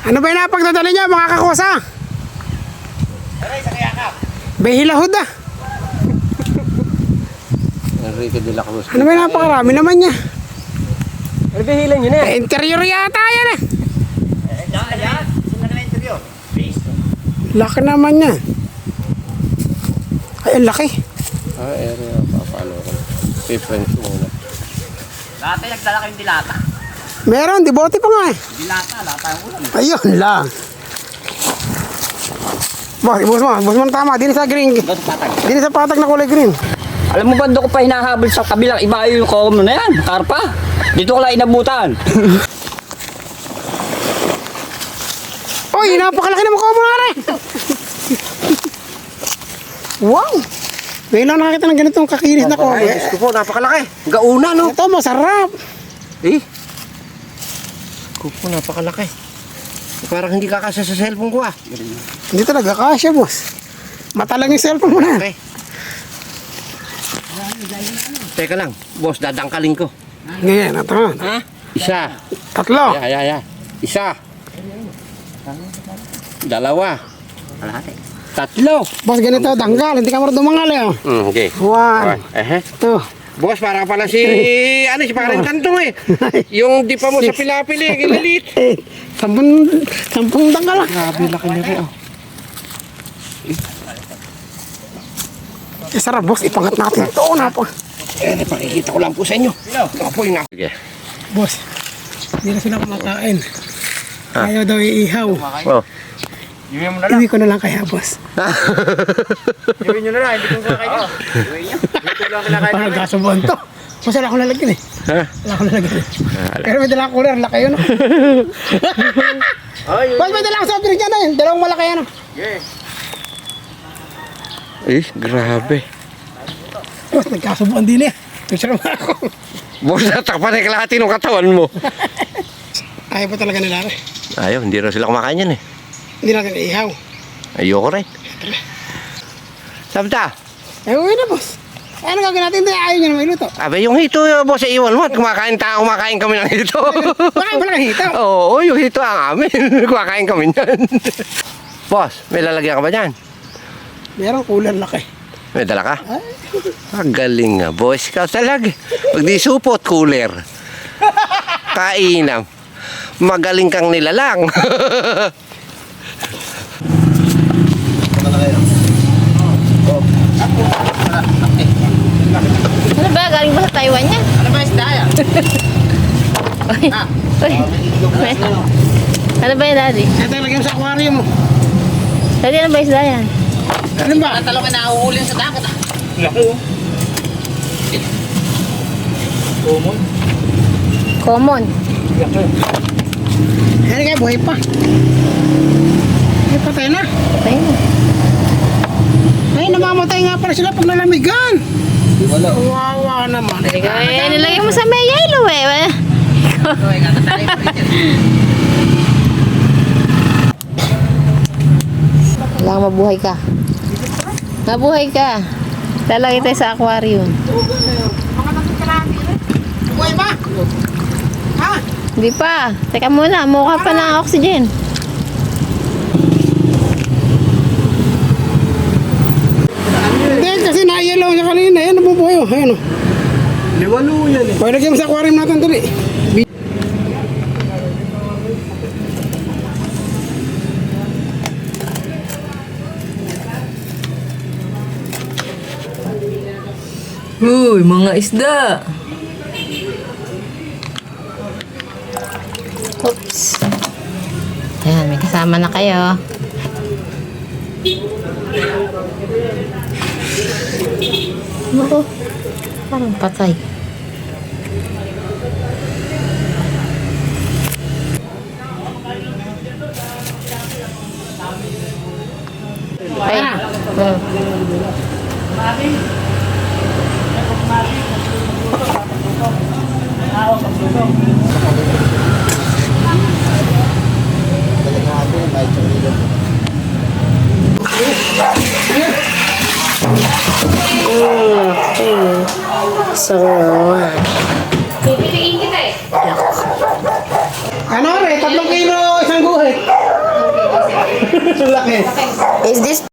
Ano ba yung napagdadala niya mga kakosa? Aray, sa kayakap. Behilahod ah. Enrique de la Cruz. Ano ba yung napakarami naman niya? Ano ba hilan yun eh? Interior yata yan eh. Ayan. Sino na interview? Base. Laki naman niya. Ay, ang laki. Area. Paano ko? Preference muna. Dati nagdala kayong dilata. Meron, dibote pa nga eh. Dilata, lata yung ulam. Ayun lang. Boss mo tama. Dini sa green. Doon sa patag. Dini sa patag na kulay green. Alam mo ba doon ko pa hinahabol sa kabilang iba yung common na yan, karpa. Dito ko lang inabutan. Uy, napakalaki naman ko mo na rin. Wow. Ngayon lang nakakita ng ganitong kakinis na ko. Diyos ko po, napakalaki. Gauna, no? Ito, masarap. Eh? Ko po, napakalaki. Parang hindi kakasya sa cellphone ko, ah. Hindi talaga kasya, boss. Mata lang yung cellphone mo na. Okay. Teka lang, boss, dadangkalin ko. Ngayon, ito nga. Ha? Isa. Tatlo. Ya. Isa. Dalawa. Kalahati. Tatlo. Boss, ganito, danggal. Hindi ka marunong dumangal eh. Okay. One. Two. Boss, para pala si, si parang kantong eh. Yung di pa mo sa pilapili, gililit. Sampung danggal lang. Grabe, laki na rin, oh. Sarap, boss. Ipangat natin. Ito, napa. Pakikita ko lang po sa inyo. Ito po yung Sige. Boss, hindi na sila kumakain. Ayaw daw iihaw. Oh. Iwi mo na lang. Iwi ko na lang kaya, boss. Iwi nyo na lang. Hindi ko kakain. Iwi nyo. Ito lang kinakain. Parang gasubuan to. Boss, wala akong lalagyan eh. Ha? Wala akong lalagyan eh. Pero may dalang cooler. Laki yun. Boss, may dalang soft drink dyan na yun. Dalawang malaki yan. Grabe. Boss, nagkasubuan din eh. Picture mo ako. Boss, natakpan na kalahati ng katawan mo. Ayaw pa talaga nila rin. Ayaw, hindi rin sila kumakain yan eh. Hindi natin iihaw. Ayoko rin. Sabta. Eh, uwi na, boss. Ano gagawin natin? Hindi, ayaw nyo na may luto. Abe, yung hito, boss, iwan mo. At kumakain kami ng hito. Baka wala kang hito. Oo, yung hito ang amin. Kumakain kami niyan. Boss, may lalagyan ka ba dyan? Meron cooler laki. May dala ka? Galing nga, boss. Ikaw talaga. Pag di supot, cooler. Kainam. Magaling kang nilalang. Ano ba? Galing ba sa Taiwan yan? Ano ba isda yan? Uy. Ano ba yan, Daddy? Ito lagyan mo sa aquarium mo. Daddy, ano ba isda yan? Ano ba? Ang talong na nauulin sa dagat ah. Common. Ano kaya, buhay pa. Ay, patay na. Patay na. Ay, namamatay nga pala sila pag nalamigan. Wawa naman. Nilagay mo sa may yellow eh. Kailangan mabuhay ka. Mabuhay ka. Lalagay tayo sa aquarium. Buhay pa? Ha? Hindi pa. Teka muna. Mukha pa ng oxygen. Hindi, kasi na-yellow siya kanina. Ayan, nabubuhay oh. Ayan oh. Liwalo yan eh. Pwede lagyan mo sa aquarium natin dali. Uy, mga isda. Oops. Ayan, may kasama na kayo. Ako, parang patay. Ay. Sarap. Ano re? 3 kilo isang Laki. Laki. Is this